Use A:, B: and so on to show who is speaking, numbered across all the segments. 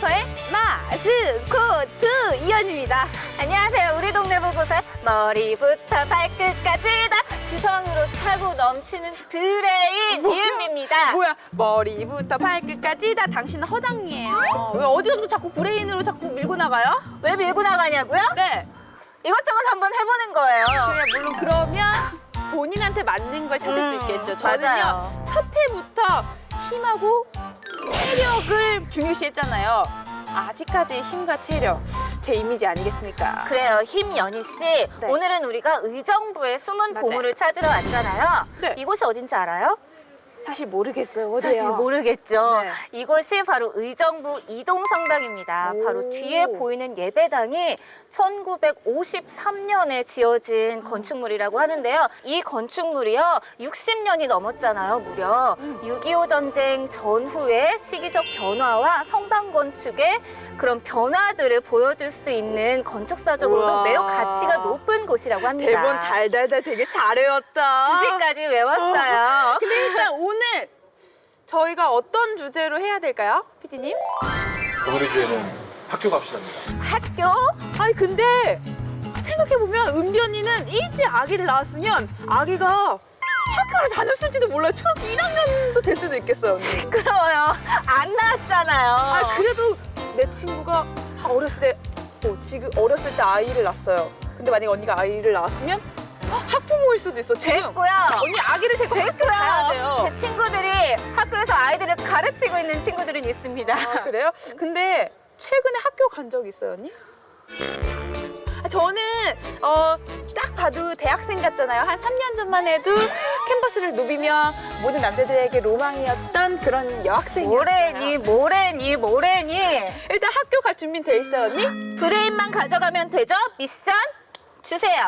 A: 보고서의 마스코트 이현입니다.
B: 안녕하세요. 우리 동네 보고서의 머리부터 발끝까지 다 지성으로 차고 넘치는 드레인 이은비입니다.
A: 뭐야? 머리부터 발끝까지 다 당신은 허당이에요. 왜 어디서부터 자꾸 브레인으로 자꾸 밀고 나가요?
B: 왜 밀고 나가냐고요?
A: 네.
B: 이것저것 한번 해보는 거예요.
A: 그냥 물론 그러면 본인한테 맞는 걸 찾을 수 있겠죠. 저는요,
B: 맞아요.
A: 첫 해부터 힘하고 체력을 중요시했잖아요. 아직까지 힘과 체력, 제 이미지 아니겠습니까?
B: 그래요. 힘연희 씨. 오늘은 우리가 의정부의 숨은
A: 맞아요.
B: 보물을 찾으러 왔잖아요.
A: 네.
B: 이곳이 어딘지 알아요?
A: 사실 모르겠어요. 어디요?
B: 사실 모르겠죠.
A: 네.
B: 이곳이 바로 의정부 이동성당입니다.
A: 오.
B: 바로 뒤에 보이는 예배당이 1953년에 지어진 건축물이라고 하는데요. 이 건축물이요, 60년이 넘었잖아요, 무려. 6.25 전쟁 전후의 시기적 변화와 성당 건축의 그런 변화들을 보여줄 수 있는 건축사적으로도
A: 우와.
B: 매우 가치가 높은 곳이라고 합니다.
A: 대본 달달달 되게 잘 외웠다.
B: 주식까지 외웠어요.
A: 근데 일단 오늘 저희가 어떤 주제로 해야 될까요, 피디님?
C: 오늘의 주제는 학교 갑시다입니다.
B: 학교?
A: 아니 근데 생각해보면 은비 언니는 일찍 아기를 낳았으면 아기가 학교를 다녔을지도 몰라요. 초등학교 1학년도 될 수도 있겠어요, 언니.
B: 시끄러워요. 안 나왔잖아요.
A: 아 그래도 내 친구가 어렸을 때, 지금 어렸을 때 아이를 낳았어요. 근데 만약에 언니가 아이를 낳았으면 학부모일 수도 있어. 지금
B: 됐고요.
A: 언니 아기를 데리고 학교 가야 돼요.
B: 제 친구들이 학교에서 아이들을 가르치고 있는 친구들은 있습니다.
A: 아, 그래요? 근데 최근에 학교 간 적 있어요, 언니? 저는 딱 봐도 대학생 같잖아요. 한 3년 전만 해도 캠퍼스를 누비며 모든 남자들에게 로망이었던 그런 여학생이었어요.
B: 뭐래니.
A: 일단 학교 갈 준비는 돼 있어요, 언니?
B: 브레인만 가져가면 되죠? 미션 주세요.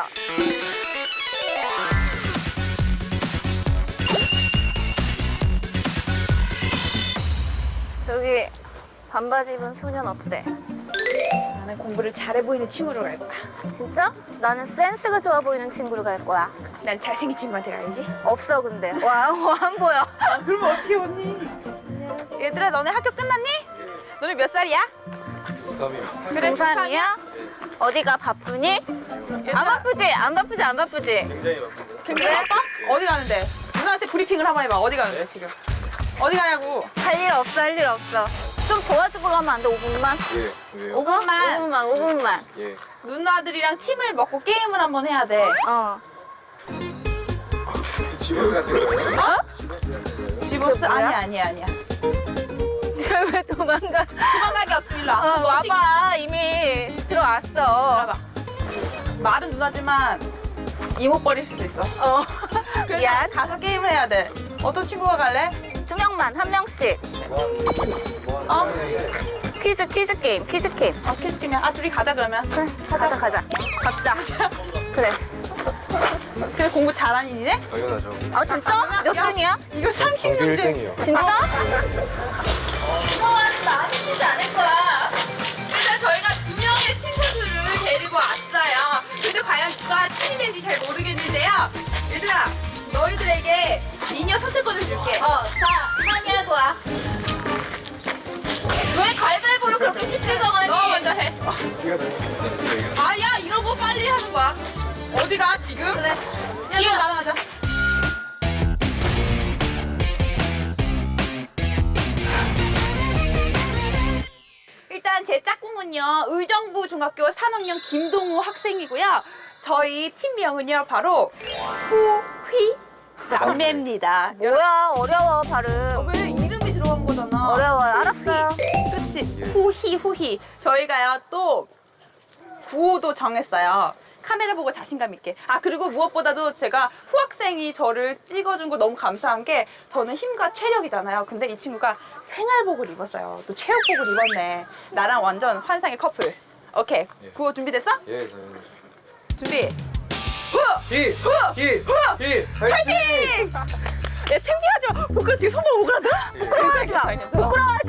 B: 저기 반바지 입은 소년 어때?
A: 나는 공부를 잘해 보이는 친구로 갈 거야.
B: 진짜? 나는 센스가 좋아 보이는 친구로 갈 거야.
A: 난 잘생긴 친구한테 가야지.
B: 없어 근데. 와, 안 보여.
A: 그러면 어떻게 언니? 얘들아, 너네 학교 끝났니? 너네 몇 살이야?
C: 고3이요.
A: 그래,
B: 중3이야? 어디가 바쁘니? 안 바쁘지? 안 바쁘지?
C: 굉장히 바쁜데요.
A: 굉장히 바빠? 어디 가는데? 누나한테 브리핑을 한번 해봐. 어디 가는데 지금? 어디 가냐고?
B: 할 일 없어. 좀 도와주고 가면 안 돼? 5분만?
C: 예, 왜요?
B: 5분만.
C: 예.
A: 누나들이랑 팀을 먹고 게임을 한번 해야 돼.
C: 지버스 같은 거예요?
A: 지보스?
B: 그게 뭐야?
A: 아니야.
B: 저 왜 도망가?
A: 도망가기 없어. 일로 와. 너씩
B: 와봐. 이미 들어왔어.
A: 들어봐. 말은 누나지만 이목버릴 수도 있어. 그래서
B: 미안.
A: 가서 게임을 해야 돼. 어떤 친구가 갈래?
B: 2명만, 1명씩. 퀴즈 게임.
A: 퀴즈 게임이야. 둘이 가자 그러면.
B: 그래, 가자.
A: 갑시다.
B: 그래.
A: 그래, 공부 잘하는 이네?
C: 당연하죠.
B: 아, 진짜? 몇
A: 야.
B: 등이야?
A: 이거
C: 전교
A: 30문제.
C: 1등이요.
B: 진짜?
A: 많이 쓰지 않을 거야. 일단 저희가 2명의 친구들을 데리고 왔어요. 근데 과연 누가 팀이 될지 잘 모르겠는데요. 얘들아, 너희들에게 미녀 선택권을 줄게.
B: 자, 상의하고 와. 왜 가위바위보를 그렇게 쉽게 정하니?
A: 너 먼저 해. 아야, 이러고 빨리 하는 거야. 어디가 지금?
B: 그래.
A: 야, 너 나랑 하자. 일단 제 짝꿍은요, 의정부 중학교 3학년 김동우 학생이고요. 저희 팀명은요, 바로 후휘 남매입니다.
B: 뭐야, 어려워, 발음.
A: 왜 이름이 들어간 거잖아.
B: 어려워요. 알았어요.
A: 그치? 후히. 저희가요, 또 구호도 정했어요. 카메라 보고 자신감 있게. 그리고 무엇보다도 제가 후학생이 저를 찍어준 거 너무 감사한 게, 저는 힘과 체력이잖아요. 근데 이 친구가 생활복을 입었어요. 또 체육복을 입었네. 나랑 완전 환상의 커플. 오케이.
C: 예.
A: 구호 준비됐어?
C: 예, 당연히.
A: 준비.
C: 파이팅!
A: 야, 창피하지 마. 부끄러워. 지금 손목 오그라들어?
B: 부끄러워하지 마.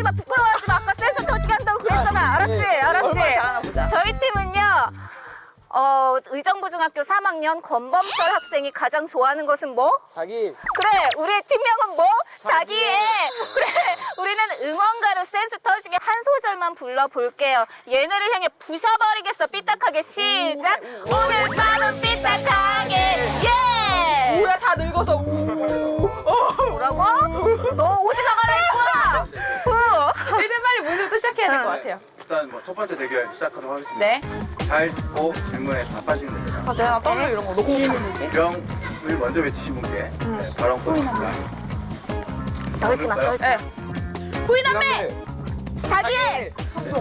B: 부끄러워하지 마. 아까 센스 터지게 한다고 그랬잖아. 알았지?
A: 얼마나 잘하나 보자.
B: 저희 팀은요, 의정부중학교 3학년 권범철 학생이 가장 좋아하는 것은 뭐?
D: 자기
B: 그래, 우리의 팀명은 뭐? 자기의. 그래, 우리는 응원가로 센스 터지게 한 소절만 불러볼게요. 얘네를 향해 부셔버리겠어, 삐딱하게. 시작! 오늘 밤은 삐딱하게, 예!
A: 뭐야 다 늙어서
B: 뭐라고? 너 오지 나가라 했구나!
A: 이제 빨리 문제부터 시작해야 될 것 같아요.
E: 일단 뭐 첫 번째 대결 시작하도록 하겠습니다.
A: 네.
E: 잘 듣고 질문에 답하시면 됩니다.
A: 아, 내가 떨려 이런 거 너무 잘 보지?
E: 병을 먼저 외치신 분께 네, 발언권이 있습니다.
B: 떨지 마, 떨지 마.
A: 네. 후이남매!
B: 자기!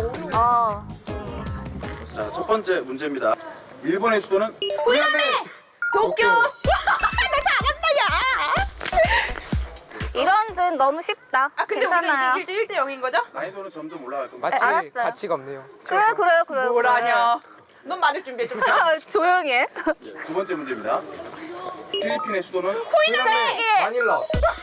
E: 자, 첫 번째 문제입니다. 일본의 수도는
A: 후이남매! 도쿄! 나 잘한다 야!
B: 이런 듯 너무 쉽다.
A: 아 근데
B: 괜찮아요.
A: 우리가 1대 0인 거죠?
E: 난이도는 점점 올라갈 겁니다.
D: 마치
B: 알았어요.
D: 가치가 없네요.
B: 그래.
A: 뭐라냐? 넌 맞을 준비해 줬어.
B: 조용히 해.
E: 두 번째 문제입니다. 필리핀의 수도는
B: 자기!
D: 마닐라.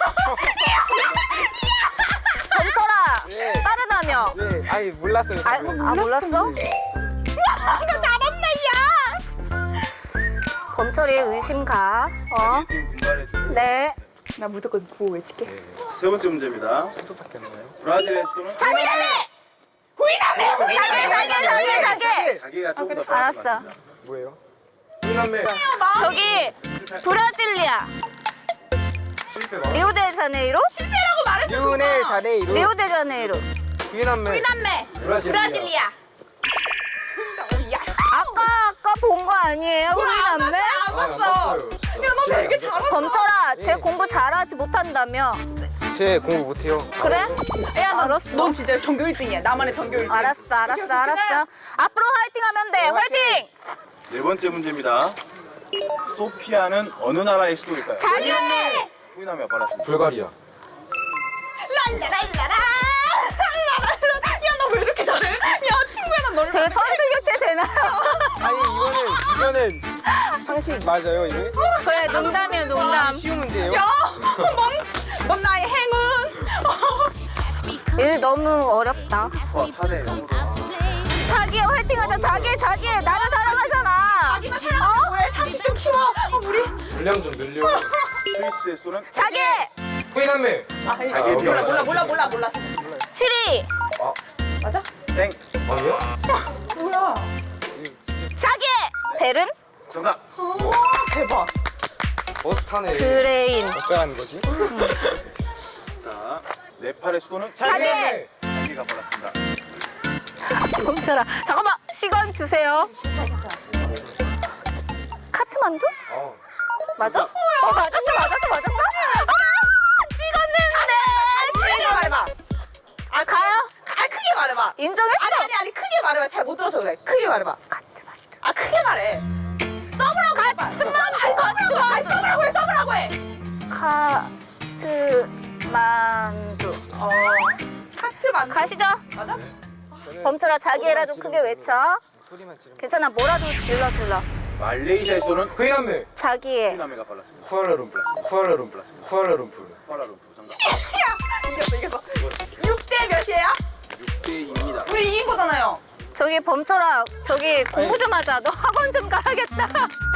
B: 범철아!
D: 네.
B: 빠르다며.
D: 네, 아니 몰랐어요.
B: 몰랐어?
A: 나 잘한다 야!
B: 범철이의 의심가.
E: 팀 분발해 주세요.
B: 네.
A: 나 무조건 구호 외칠게.
E: 세 번째 문제입니다.
D: 수도밖에 없나요?
E: 브라질의 수도는
A: 후이남매!
B: 자기!
E: 자기가 조금 더 빨리
B: 알았어.
E: 맞습니다.
D: 뭐예요? 후남매.
B: 저기 브라질리아.
D: 실패 봐.
B: 리오데자네이로?
A: 실패라고 말했어.
D: 유네 자네이루.
B: 리오데자네이로.
D: 후남매.
A: 후이남매! 브라질리아. 야,
B: 아까 본 거 아니에요? 후이남매?
A: 안 봤어. 야너 되게 잘한다.
B: 범철아, 쟤 공부 잘하지 못한다며.
D: 제 공부 못해요.
B: 그래?
A: 야,
B: 알았어.
A: 넌 진짜 전교 1등이야. 나만의 전교 1등.
B: 알았어. 앞으로 화이팅 하면 돼. 화이팅!
E: 네 번째 문제입니다. 소피아는 어느 나라의 수도일까요?
B: 자기!
E: 후이남이가 빨랐습니다.
D: 불가리아.
A: 랄라랄라라. 야, 너 왜 이렇게 잘해? 야, 친구야, 난 너를.
B: 되게 선수 교체 되나요?
D: 아니 이거는 상식 맞아요 이게?
B: 그래, 농담이에요, 농담.
D: 쉬운 문제예요.
A: 야, 넌 나의 행운.
B: 이거 너무 어렵다.
E: 4대 0으로.
B: 자기 화이팅하자. 자기 나를 사랑하잖아.
A: 자기가 사랑하는 왜 30점 키워? 우리.
D: 분량 좀 늘려.
E: 스위스의 수도는
B: 자기!
D: 후남매.
E: 자기의 뒤에
A: 몰라.
B: 치리!
A: 맞아?
E: 땡.
D: 아니요?
A: 뭐야?
B: 자기! 베른?
E: 정답.
A: 대박.
D: 버스 타네.
B: 그레인.
D: 어쩌라는 거지?
E: 자, 네팔의 수도는
B: 자기!
E: 자기가 빨랐습니다.
B: 멈춰라. 잠깐만, 시간 주세요. 카트만두? 맞아? 맞았어.
A: 크게 말해봐.
B: 아, 가요?
A: 크게 말해봐.
B: 인정했어.
A: 아니, 크게 말해봐. 잘 못 들어서 그래. 크게 말해봐.
B: 카트만두.
A: 아, 크게 말해. 써보라고 해봐. 써보라고 해.
B: 카트만두.
A: 하트 만
B: 가시죠.
A: 맞아?
B: 범철아, 자기애라 좀 크게 외쳐.
D: 소리만 지르면.
B: 괜찮아, 뭐라도 질러.
E: 말레이시아의 수도는
D: 후남매.
B: 자기애.
E: 후이남이가 빨랐습니다.
D: 쿠알라룸푸르.
E: 쿠알라룸푸르 정답.
A: 이겼어. 6대 몇이에요?
E: 6대2입니다.
A: 우리 이긴 거잖아요.
B: 저기 범철아, 저기 공부 좀 하자. 너 학원 좀 가야겠다.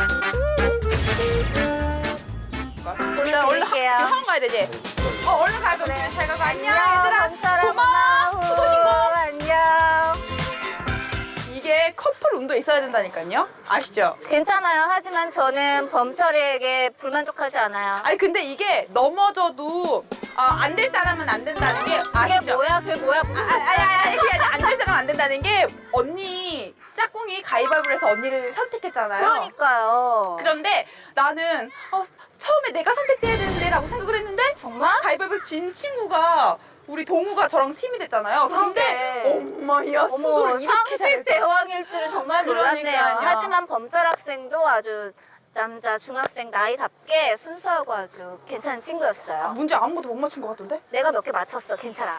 A: 얼른 지금 학원 가야 되지? 얼른 가야 돼. 잘 가고 안녕 얘들아.
B: 범철아,
A: 고마워.
B: 고마워. 안녕.
A: 이게 커플 운도 있어야 된다니까요. 아시죠?
B: 괜찮아요. 하지만 저는 범철이에게 불만족하지 않아요.
A: 아니 근데 이게 넘어져도 안 될 사람은 안 된다는 게
B: 그게
A: 아시죠?
B: 뭐야? 그게 뭐야?
A: 아니 그게 아니라 안 될 사람은 안 된다는 게 언니 짝꿍이 가위바위보를 해서 언니를 선택했잖아요.
B: 그러니까요.
A: 그런데 나는 처음에 내가 선택돼야 되는데 라고 생각을 했는데
B: 정말?
A: 가위바위보 진 친구가 우리 동우가 저랑 팀이 됐잖아요. 근데
B: 그러게.
A: 엄마야
B: 어머,
A: 수도를 이렇게
B: 상식
A: 잘했다.
B: 대왕일 줄은 정말 몰랐네요.
A: 그러니까요.
B: 하지만 범철 학생도 아주 남자 중학생 나이답게 순수하고 아주 괜찮은 친구였어요.
A: 문제 아무것도 못 맞춘 것 같던데?
B: 내가 몇 개 맞췄어. 괜찮아.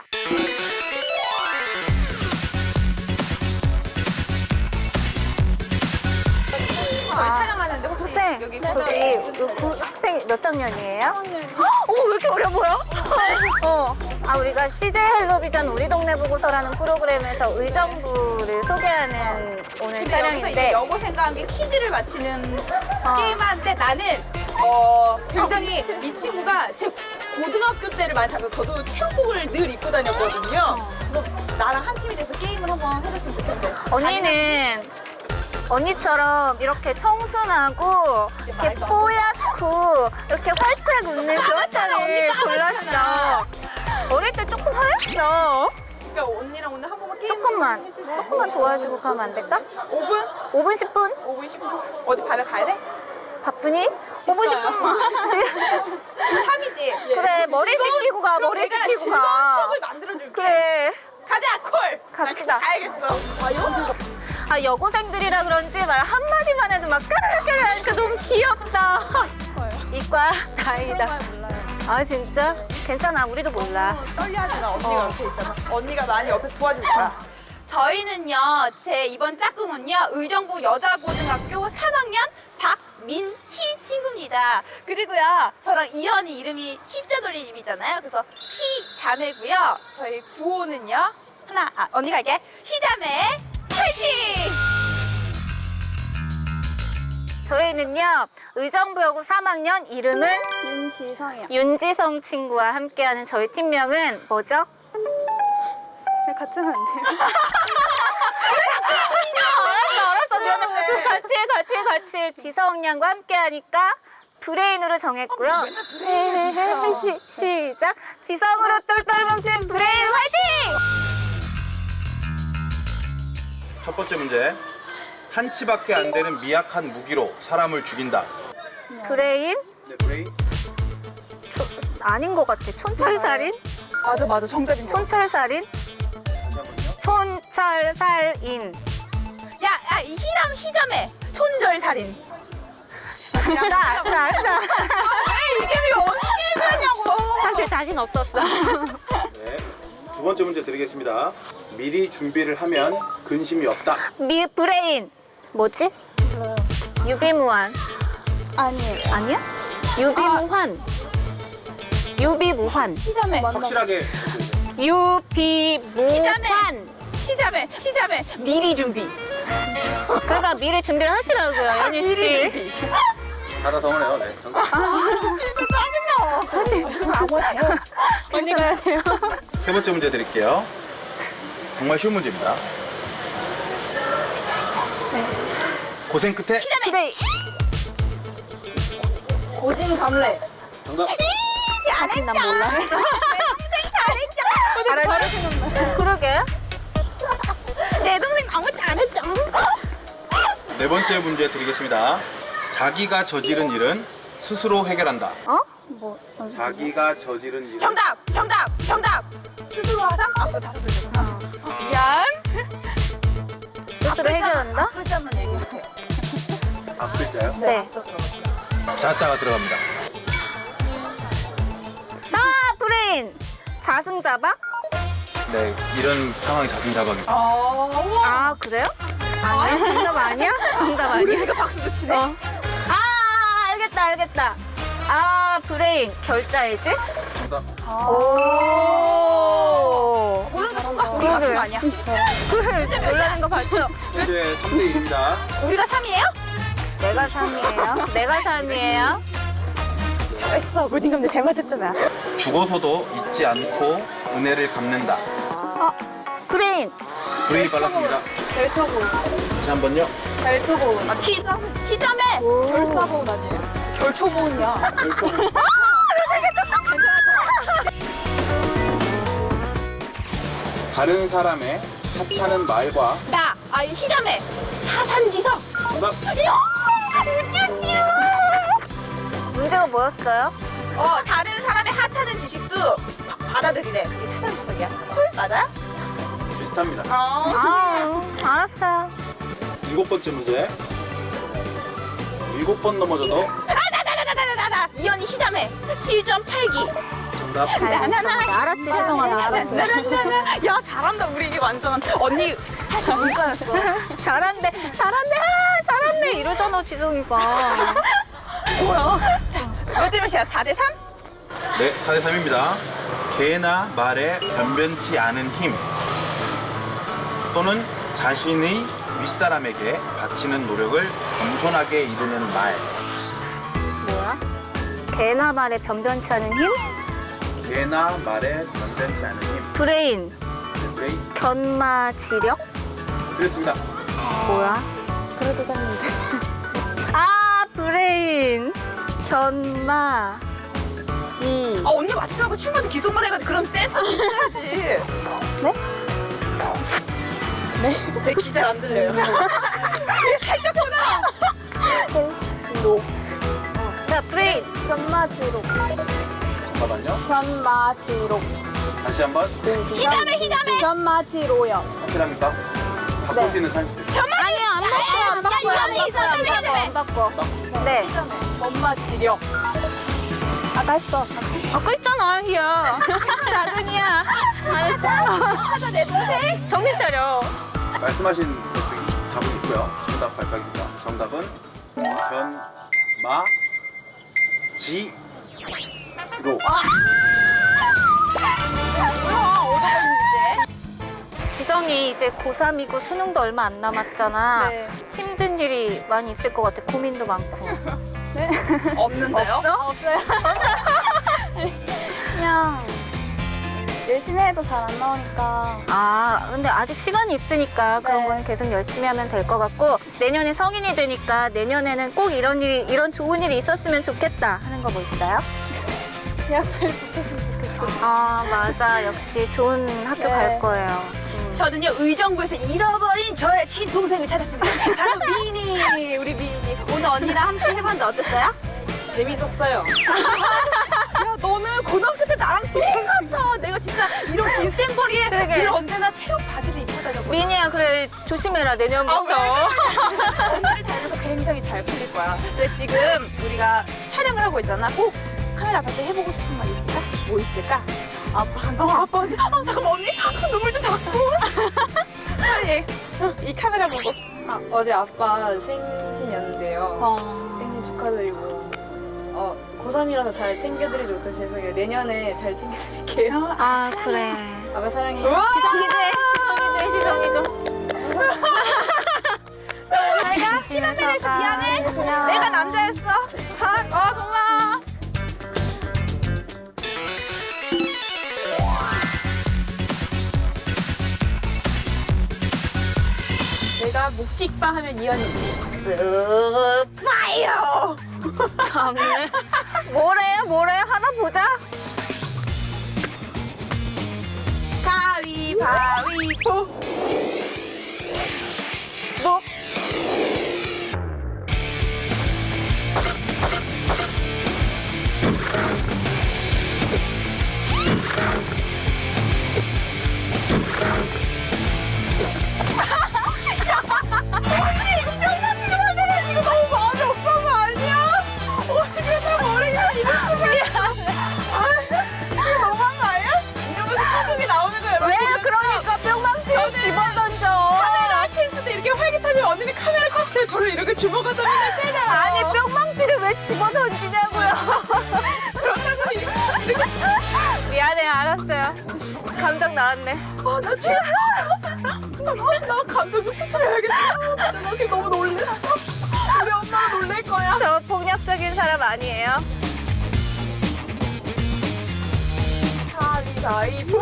A: 촬영하는데 혹시
B: 학생,
A: 여기
B: 저기 학생 몇 학년이에요? 어머, 왜 이렇게 어려 보여? 우리가 CJ 헬로비전 우리 동네 보고서라는 프로그램에서 의정부를 소개하는 오늘 하는
A: 근데 여기서 이제
B: 촬영인데
A: 여고생과 함께 퀴즈를 맞히는 게임하는데 나는 굉장히 이 친구가 제 고등학교 때를 많이 타서 저도 체육복을 늘 입고 다녔거든요. 그래서 나랑 한 팀이 돼서 게임을 한번 해봤으면 좋겠어요.
B: 언니는 언니처럼 이렇게 청순하고 이렇게
A: 말도 안
B: 뽀얗고 이렇게 활짝 웃는 그런
A: 까맣잖아, 언니
B: 차를
A: 까맣잖아.
B: 골랐어. 어릴 때 조금 하였어.
A: 그러니까 언니랑 오늘 한 번만 게임
B: 조금만 도와주고 가면 안 될까?
A: 5분?
B: 5분 10분?
A: 5분 10분? 어디 발을 가야 돼?
B: 바쁘니? 5분 10분?
A: 3이지?
B: 그래 머리 식히고 가 머리 식히고
A: 즐거운
B: 가.
A: 추억을 만들어줄게.
B: 그래
A: 가자 콜.
B: 갑시다.
A: 나 가야겠어.
B: 아 여고생들이라 그런지 말 한마디만 해도 막 까르르까르 하니까 너무 귀엽다. 이과 다행이다. 아 진짜? 괜찮아 우리도 몰라.
A: 떨려하지 마. 언니가 옆에 있잖아. 언니가 많이 옆에서 도와줄 거야. 저희는요, 제 이번 짝꿍은요, 의정부 여자고등학교 3학년 박민희 친구입니다. 그리고요, 저랑 이현이 이름이 희자 돌림이잖아요. 그래서 희 자매고요. 저희 구호는요, 언니가 할게. 희자매 화이팅!
B: 저희는요 의정부여고 3학년 이름은
F: 윤지성이요.
B: 윤지성 친구와 함께하는 저희 팀명은 뭐죠?
F: 같이 하면 안 돼요?
B: 알았어 미안해 같이 지성 양과 함께하니까 브레인으로 정했고요. 시작 지성으로 똘똘 뭉친 브레인 화이팅!
E: 첫 번째 문제. 한치밖에 안 되는 미약한 무기로 사람을 죽인다.
B: 브레인?
E: 네, 브레인.
B: 아닌 것 같아. 촌철살인?
A: 맞아. 정답인 거.
B: 촌철살인?
E: 다시 한번요.
B: 촌철살인.
A: 야, 이 희남 희자매 촌절살인.
B: 알았어.
A: 왜 이게 왜 어떻게 게임이냐고.
B: 사실 자신 없었어.
E: 네. 두 번째 문제 드리겠습니다. 미리 준비를 하면 근심이 없다.
B: 브레인. 뭐지? 유비무환.
F: 아니에요.
B: 아니야? 유비무환. 유비무환.
A: 희자매.
E: 확실하게.
B: 유비무환.
A: 희자매 미리 준비.
B: 그러니까 미리 준비를 하시라고요, 연희 씨.
E: 사다성어네요. 네. 정답.
B: 언니가 해야 돼요.
E: 세 번째 문제 드릴게요. 정말 쉬운 문제입니다. 고생 끝에
B: 브레인.
A: 고진감래.
E: 정답.
B: 자신감 몰라.
A: 잘했죠.
B: 그러게.
A: 내 동생 너무 잘했죠.
E: 네 번째 문제 드리겠습니다. 자기가 저지른 일은 스스로 해결한다.
B: 어?
E: 자기가 저지른 일은
A: 정답. 스스로 하상? 그거 다섯 글자구나. 미안.
B: 스스로 해결한다?
A: 글자만 얘기해주세요.
E: 앞글자요?
B: 네.
E: 자자가 들어갑니다.
B: 브레인. 자승자박?
E: 네, 이런 상황이 자승자박입니다.
A: 우와.
B: 아, 그래요? 아니야? 정답 아니야? 정답 아니야?
A: 우리가 박수도 치네.
B: 아, 알겠다. 아, 브레인. 결자해지?
E: 정답.
B: 오.
A: 모르는 건가? 우리 맞춘 거 아니야?
B: 그래, 놀라는 거 봤죠?
E: 현재 3대 1입니다.
A: 우리가 3이에요?
B: 내가 3이에요. 내가 3이에요.
A: 잘했어. 고진감래 잘 맞췄잖아.
E: 죽어서도 잊지 않고 은혜를 갚는다.
B: 브레인.
E: 브레이 빨랐습니다.
F: 별초고.
E: 다시 한 번요.
F: 별초고.
A: 희자매.
F: 별사보은 아니에요?
A: 결초보은이야.
E: 다른 사람의 하찮은 말과
A: 이 희자매. 타산지석.
E: 정답.
B: 문제가 뭐였어요?
A: 다른 사람의 하찮은 지식도 받아들이래. 그게 타산지석이야. 콜 맞아요?
E: 비슷합니다.
B: 아, 알았어요.
E: 7번째 문제. 7번 넘어져도
A: 나. 이현이 희자매. 7.8기.
E: 정답.
B: 알았지, 지성아, 나 알았어.
A: 야, 잘한다. 우리 이게 완전. 언니, 사실 문과였어.
B: 잘한대, 이러잖아, 지성이가.
A: 뭐야? 몇 대 몇이야? 4대 3?
E: 네, 4대 3입니다. 개나 말에 변변치 않은 힘 또는 자신의 윗사람에게 바치는 노력을 겸손하게 이루는 말.
B: 뭐야? 개나 말에 변변치 않은 힘?
E: 개나 말에 변변치 않은 힘.
B: 브레인,
E: 브레인.
B: 견마지력?
E: 그렇습니다.
B: 뭐야? 그래도 샀는데. 아, 브레인, 견마, 지.
A: 아 언니 맞추라고 춤한테 기속만 해가지고 그럼 센스 있어야지.
F: 제 귀 잘 안 들려요.
A: 살짝 보나.
B: 자, 브레인.
F: 견마지록.
E: 잠깐만요.
F: 견마지록.
E: 다시 한번.
A: 희담해.
F: 견마지로요.
E: 확실합니까? 바꿀 수 있는 찬스 드립니다.
B: 아니야, 안 바꿔요. 안 바꿔. 네.
F: 견마지력. 아까 했어.
B: 아까 있잖아, 희야. 작은이야.
A: 하자 내 동생.
B: 정신 차려.
E: 말씀하신 것 중에 답은 있고요. 정답 발표하겠습니다. 정답은 견마지로.
B: 지성이 이제 고3이고 수능도 얼마 안 남았잖아.
F: 네.
B: 힘든 일이 많이 있을 것 같아. 고민도 많고.
A: 없는데요?
F: 없어요. 그냥 열심히 해도 잘 안 나오니까.
B: 아, 근데 아직 시간이 있으니까 그런
F: 네.
B: 건 계속 열심히 하면 될 것 같고, 내년에 성인이 되니까 내년에는 꼭 이런 좋은 일이 있었으면 좋겠다 하는 거 뭐 있어요?
F: 대학 잘 붙었으면 좋겠어.
B: 아, 맞아. 역시 좋은 학교
F: 네.
B: 갈 거예요.
A: 저는요 의정부에서 잃어버린 저의 친동생을 찾았습니다. 바로 미니. 우리 미니. 오늘 언니랑 함께 해봤는데 어땠어요?
F: 재밌었어요.
A: 야 너는 고등학교 때 나랑 똑같아. 내가 진짜 이런 긴 생머리에
B: 그러게.
A: 늘 언제나 체육 바지를 입고 다녔거든.
B: 미니야, 그래. 조심해라, 내년부터.
A: 언니를 닮아서 굉장히 잘 풀릴 거야. 근데 지금 우리가 촬영을 하고 있잖아. 꼭 카메라 앞에서 해보고 싶은 말 있을까? 뭐 있을까? 아빠한테. 아빠한테. 잠깐만 언니. 눈물 좀 닦고. 빨리. 이 카메라 보고.
F: 어제 아빠 생신이었는데요. 생신 축하드리고. 고3이라서 잘 챙겨드리지 못해 죄송해요. 내년에 잘 챙겨드릴게요.
B: 아, 그래.
F: 아빠 사랑해요.
B: 지성이도.
A: 내가 키나메라에서 미안해. 내가 남자였어. 고마워. 내가 묵직바 하면 이현이지. 쓱 파이어.
B: 참네. 뭐래? 하나 보자.
A: 가위바위보.
B: 뭐?
A: 이거 너무 마음이 없는 거 아니야? 이게 다 머리가 이거 이게 너무한 거 아니야? 이러면서 성격이 나오는 거야. 왜
B: 그러니까 뿅망치로 집어던져.
A: 카메라 케이스 때 이렇게 활기차면 언니는 카메라 컸을 때 저를 이렇게 주먹을 던지면 때려.
B: 아니, 뿅망치를 왜 집어던지냐고요.
A: 그런다고 이렇게.
B: 미안해, 알았어요. 감정 나왔네.
A: 나 지금 나 감독님 수술해야겠어. 나 지금 너무 놀랬어. 우리 엄마가 놀랄 거야.
B: 저 폭력적인 사람 아니에요.
A: 가위바위보.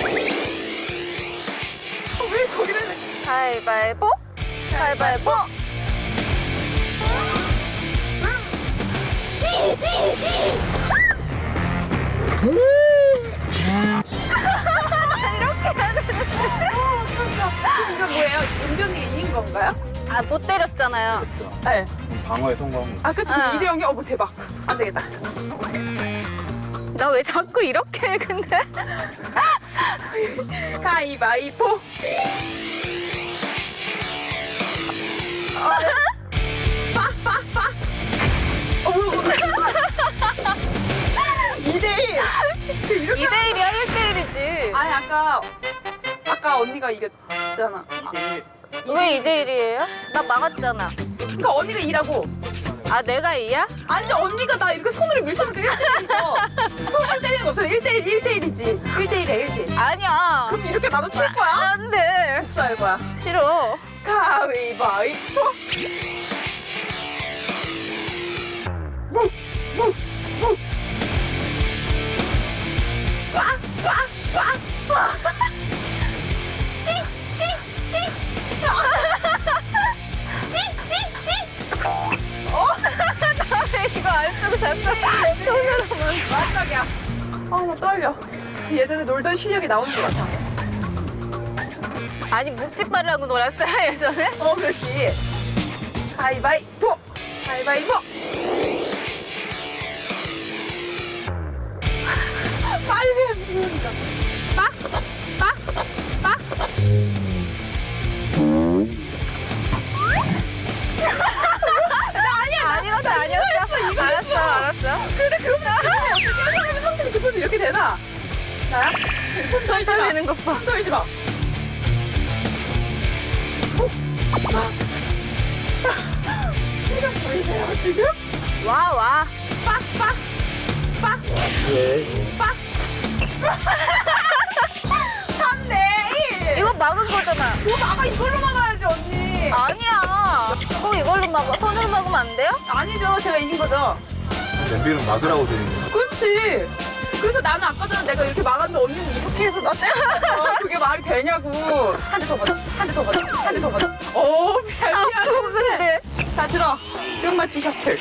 A: 왜 거기를
B: 가위바위보. 가위바위보.
A: 이거 뭐예요? 은변이가 이긴 건가요?
B: 아, 못 때렸잖아요.
A: 네.
E: 방어에 성공한 거.
A: 아, 그치.
B: 아.
A: 2대 0이 어머 대박. 안 되겠다.
B: 나 왜 자꾸 이렇게 해, 근데?
A: 가위바위보. 어머. 2대 1. 이렇게
B: 2대1이야, 1대1이지.
A: 아니 아까 언니가 이겼잖아.
B: 왜 2대1이에요? 나 막았잖아.
A: 그러니까 언니가 2라고.
B: 아, 내가 2야?
A: 아니 언니가 나 이렇게 손으로 밀쳐놓고 1대1이죠. 손을 때리는 거 없어. 1대1이지. 1대1이야 1대1.
B: 아니야.
A: 그럼 이렇게 나도 칠 거야?
B: 안 돼.
A: 복수할 거야.
B: 싫어.
A: 가위바위보.
B: 이거 안 쓰고 잤어. 손으로만.
A: 마지막이야. 나 떨려. 예전에 놀던 실력이 나오는 것 같아.
B: 아니 묵직발을 하고 놀았어요 예전에?
A: 그렇지. 가위바위보. 가위바위보. 빨리 해, 무슨 소리가. 빡, 빡, 빡.
B: 아니었어 아니었어. 알았어.
A: 근데 그러면 어떻게 사람이 성질이 급하면 이렇게 되나? 나야? 손 떨지 마.
B: 떨리는 것 봐.
A: 손 떨지 마. 표정 보이세요 지금?
B: 와.
A: 빡빡 빡. 빡. 3대1.
B: 이거 막은 거잖아.
A: 이거 막아. 이걸로 막아야지 언니.
B: 아니야. 꼭 이걸로 막아. 손으로 막으면 안 돼요?
A: 아니죠. 제가 이긴 거죠.
E: 냄비는 막으라고 되어 있는 거야.
A: 그렇지. 그래서 나는 아까 전에 내가 이렇게 막았는데 언니는 이렇게 해서 나 때렸어. 그게 말이 되냐고. 한 대 더 받아. 한 대 더 받아. 한 대 더 받아. 오, 미안해. 자, 들어. 뿅마치 셔틀.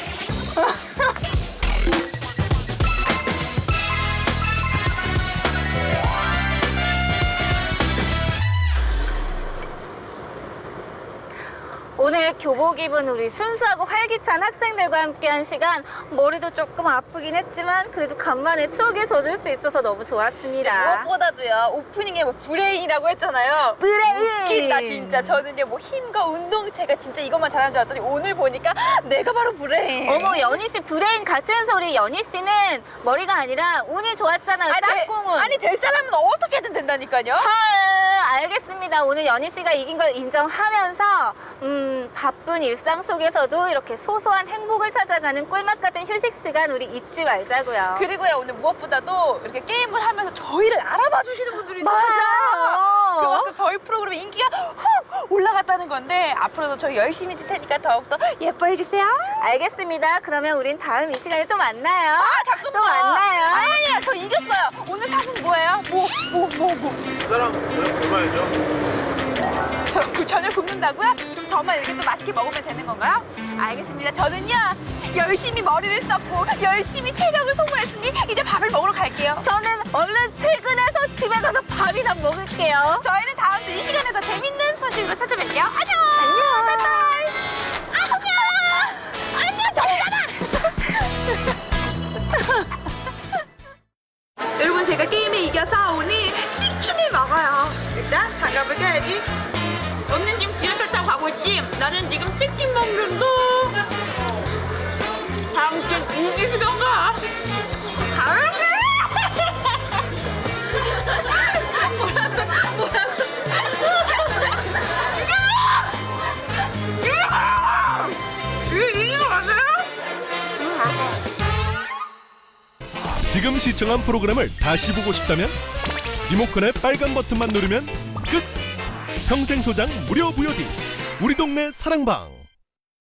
B: 오늘 교복 입은 우리 순수하고 활기찬 학생들과 함께한 시간, 머리도 조금 아프긴 했지만 그래도 간만에 추억에 젖을 수 있어서 너무 좋았습니다.
A: 무엇보다도요, 오프닝에 뭐 브레인이라고 했잖아요.
B: 브레인!
A: 웃긴다, 진짜. 저는요, 뭐 힘과 운동체가 진짜 이것만 잘하는 줄 알았더니 오늘 보니까 내가 바로 브레인.
B: 어머, 연희 씨 브레인 같은 소리. 연희 씨는 머리가 아니라 운이 좋았잖아요. 짝꿍은.
A: 아니, 될 사람은 어떻게든 된다니까요.
B: 헐, 알겠습니다. 오늘 연희 씨가 이긴 걸 인정하면서 바쁜 일상 속에서도 이렇게 소소한 행복을 찾아가는 꿀맛 같은 휴식 시간 우리 잊지 말자고요.
A: 그리고요, 오늘 무엇보다도 이렇게 게임을 하면서 저희를 알아봐 주시는 분들이 있어요.
B: 맞아.
A: 그만큼 저희 프로그램의 인기가 훅 올라갔다는 건데, 앞으로도 저희 열심히 할 테니까 더욱더 예뻐해 주세요.
B: 알겠습니다. 그러면 우린 다음 이 시간에 또 만나요.
A: 잠깐만.
B: 또 만나요.
A: 아니에요, 저 이겼어요. 오늘 상은 뭐예요?
E: 그 사람 저녁 굶어야죠.
A: 그 저녁 굶는다고요? 저만 이렇게 또 맛있게 먹으면 되는 건가요? 알겠습니다. 저는요, 열심히 머리를 썼고 열심히 체력을 소모했으니 이제 밥을 먹으러 갈게요.
B: 저는 얼른 퇴근해서 집에 가서 밥이나 먹을게요.
A: 저희는 다음 주 이 시간에 더 재밌는 소식으로 찾아뵐게요. 안녕.
B: 안녕.
A: 바이바이. 안녕. 저잖아. 여러분, 제가 게임에 이겨서 오늘 치킨을 먹어요. 일단 장갑을 껴야지. 언니 지금 지하철 타고 가고 있지? 나는 지금 치킨 먹는다. 당신 이기시던가. 이거 맞아요?
G: 지금 시청한 프로그램을 다시 보고 싶다면 리모컨의 빨간 버튼만 누르면 끝! 평생 소장 무료 VOD 우리 동네 사랑방.